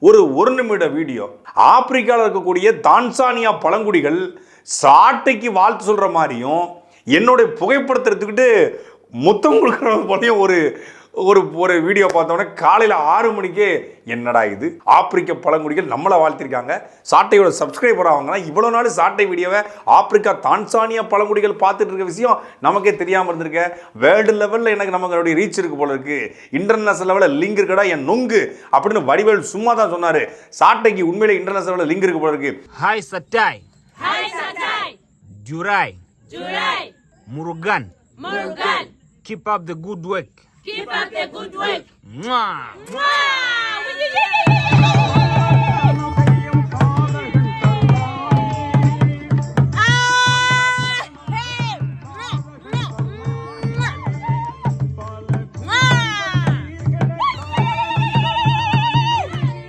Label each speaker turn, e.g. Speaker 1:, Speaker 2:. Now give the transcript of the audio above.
Speaker 1: ஒரு நிமிட வீடியோ. ஆப்பிரிக்காவில் இருக்கக்கூடிய தான்சானியா பழங்குடிகள் சாட்டைக்கு வாழ்த்து சொல்ற மாதிரியும் என்னுடைய புகைப்படத்தை எடுத்துக்கிட்டு முத்தம் கொடுக்குற போலையும் ஒரு வீடியோ பார்த்தோன்னே காலையில் 6 மணிக்கே என்னடா இது, ஆப்பிரிக்க பழங்குடிகள் நம்மளை வாழ்த்திருக்காங்க. சாட்டையோட சப்ஸ்கிரைபர் ஆவாங்கன்னா இவ்வளோ நாள் சாட்டை வீடியோவை ஆப்பிரிக்கா தான்சானியா பழங்குடிகள் பார்த்துட்டு இருக்க விஷயம் நமக்கே தெரியாமல் இருந்திருக்க. வேர்ல்டு லெவலில் எனக்கு நமக்கு ரீச் இருக்கு போல இருக்கு, இன்டர்நேஷனல் லெவலில் லிங்க் இருக்கடா என் நொங்கு அப்படின்னு வடிவேல் சும்மா தான் சொன்னாரு. சாட்டைக்கு உண்மையிலே இன்டர்நேஷனல் லெவலில் லிங்க் இருக்கு போல இருக்கு.
Speaker 2: ஹாய் சட்டாய், ஹாய் சட்டாய், ஜுராய், ஜுராய், Murugan, Murugan, keep up the good work. Keep up the good work. Mwah. Mwah.